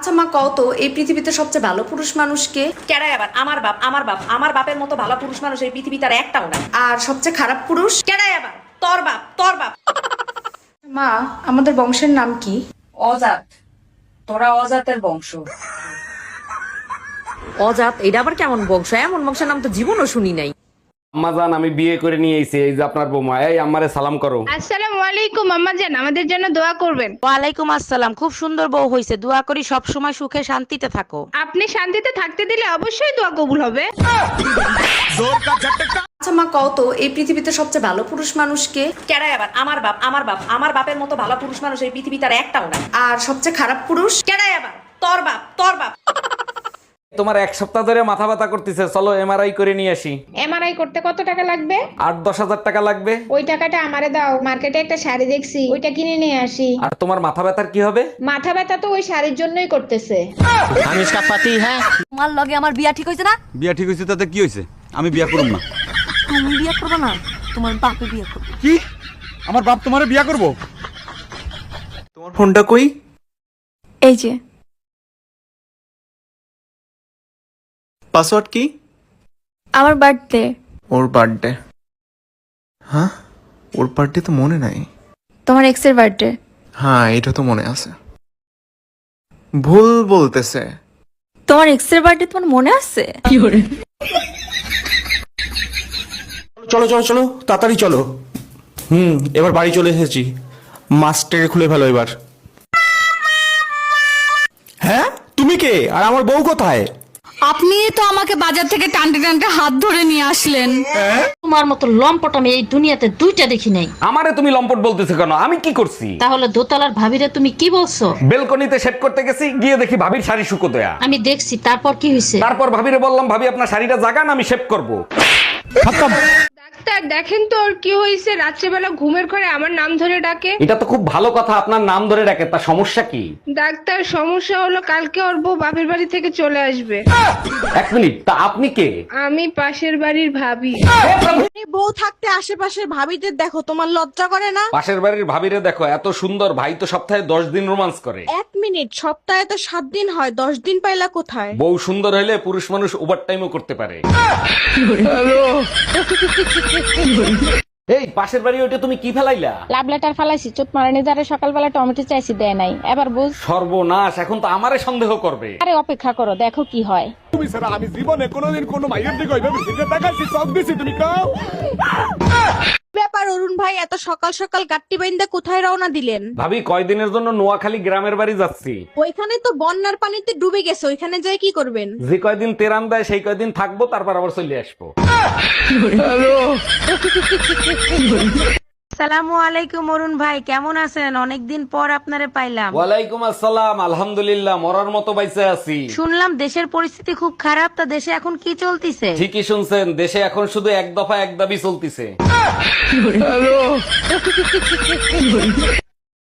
আচ্ছা মা, কও তো এই পৃথিবীতে সবচেয়ে ভালো পুরুষ মানুষকে? কেডাই আবার? আমার বাপ, আমার বাপ। আমার বাপের মতো ভালো পুরুষ মানুষ এই পৃথিবীতে আর একটাও নাই। আর সবচেয়ে খারাপ পুরুষ? কেডাই আবার? তোর বাপ, তোর বাপ। মা, আমাদের বংশের নাম কি? অজাত। তোরা অজাতের বংশ। অজাত? এটা আবার কেমন বংশ? এমন বংশের নাম তো জীবনও শুনি নাই। আম্মাজান, আমি বিয়ে করে নিয়ে এসেছি, এই যে আপনার বৌমা। এই আম্মারে সালাম করো। আসসালামু আলাইকুম আম্মাজান, আমাদের জন্য দোয়া করবেন। ওয়ালাইকুম আসসালাম। খুব সুন্দর বউ হয়েছে, দোয়া করি সব সময় সুখে শান্তিতে থাকো। আপনি শান্তিতে থাকতে দিলে অবশ্যই দোয়া কবুল হবে। আচ্ছা মা, কও তো এই পৃথিবীতে সবচেয়ে ভালো পুরুষ মানুষকে? কেডাই আবার? আমার বাপ, আমার বাপ। আমার বাপের মতো ভালো পুরুষ মানুষ এই পৃথিবীতে আর একটাও নাই। আর সবচেয়ে খারাপ পুরুষ? কেডাই আবার? তোর বাপ, তোর বাপ। তোমার এক সপ্তাহ ধরে মাথা ব্যথা করতেছে, চলো এমআরআই করে নিয়ে আসি। এমআরআই করতে কত টাকা লাগবে? 8-10 হাজার টাকা লাগবে। ওই টাকাটা আমারে দাও, মার্কেটে একটা শাড়ি দেখছি, ওইটা কিনে নিয়ে আসি। আর তোমার মাথা ব্যথার কি হবে? মাথা ব্যথা তো ওই শাড়ির জন্যই করতেছে। हम इसका पति है। তোমার লগে আমার বিয়া ঠিক হয়েছে না? বিয়া ঠিক হয়েছে তাতে কি হয়েছে? আমি বিয়া করব না। তুমি বিয়া করবে না, তোমার বাপে বিয়া করবে। কি? আমার বাপ তোমারে বিয়া করব? তোমার ফোনটা কই? এই যে পাসওয়ার্ড কি? আমার বার্থডে। ওর বার্থডে? হ্যাঁ, ওর বার্থডে তো মনে নাই। তোমার এক্সের বার্থডে। হ্যাঁ, এটা তো মনে আছে। ভুল বলতেছে। তোমার এক্সের বার্থডে তোমার মনে আছে? চলো চলো চলো, তাড়াতাড়ি চলো। এবার বাড়ি চলে এসেছি। মাস্টারে খুলে ফেলো এবার। হ্যাঁ, তুমি কে? আর আমার বউ কোথায়? আপনি তো আমাকে বাজার থেকে টানতে টানতে হাত ধরে নিয়ে আসলেন। তোমার মতো লম্পট আমি এই দুনিয়াতে দুইটা দেখি নাই। আমারে তুমি লম্পট বলতেছো কেন? আমি কি করছি? তাহলে দোতলার ভাবিরে তুমি কি বলছো? বেলকনিতে সেট করতে গেছি, গিয়ে দেখি ভাবির শাড়ি শুকো দেয়া। আমি দেখছি, তারপর কি হয়েছে? তারপর ভাবিরে বললাম, ভাবি আপনার শাড়িটা জাগান, আমি শেভ করব। ডাক্তার দেখেন তো ওর কি হয়েছে, রাত্রেবেলা ঘুমের ঘরে আমার নাম ধরে ডাকে। এটা তো খুব ভালো কথা, আপনার নাম ধরে ডাকে, তা সমস্যা কি? ডাক্তার সমস্যা হলো কালকে ওর বউ বাপের বাড়ি থেকে চলে আসবে। 1 মিনিট, তা আপনি কে? আমি পাশের বাড়ির ভাবি। বউ থাকতে আশেপাশের ভাবিদের দেখো, তোমার লজ্জা করে না? পাশের বাড়ির ভাবিরে দেখো, এত সুন্দর, ভাই তো সপ্তাহে 10 দিন রোমান্স করে। 1 মিনিট, সপ্তাহে তো 7 দিন হয়, 10 দিন পাইলা কোথায়? বউ সুন্দর হইলে পুরুষ মানুষ ওভার টাইমও করতে পারে। এই পাশের বাড়ি ওইটা তুমি কি ফেলাইলা? লাভ লেটার ফালাইছি, চোট মারানি দ্বারা সকালবেলা টমেটো চাইছি, দেয় নাই। এবার বুঝ। সর্বনাশ, এখন তো আমারে সন্দেহ করবে। আরে অপেক্ষা করো, দেখো কি হয়। আমি জীবনে কোনোদিন কোনো মাইয়ের দিকে ওইভাবে ফিরে তাকাইছি, চোখ দিছি, তুমি কও? ব্যাপার অরুণ ভাই, এত সকাল সকাল গাট্টি বাইন্দা কোথায় রওনা দিলেন? ভাবি, কয়দিনের জন্য নোয়াখালী গ্রামের বাড়ি যাচ্ছি। ওইখানে তো বন্যার পানিতে ডুবে গেছে, ওইখানে যাই কি করবেন? যে কয়দিন তেরান দেয় সেই কয়দিন থাকবো, তারপর আবার চলে আসবো। আসসালামু আলাইকুম অরুণ ভাই, কেমন আছেন? অনেকদিন পর আপনারে পাইলাম। ওয়ালাইকুম আসসালাম, আলহামদুলিল্লাহ, মরার মতো বাইসে আছি। শুনলাম দেশের পরিস্থিতি খুব খারাপ, তা দেশে এখন কি চলতিছে? ঠিকই শুনছেন, দেশে এখন শুধু এক দফা এক দাবি চলতিছে।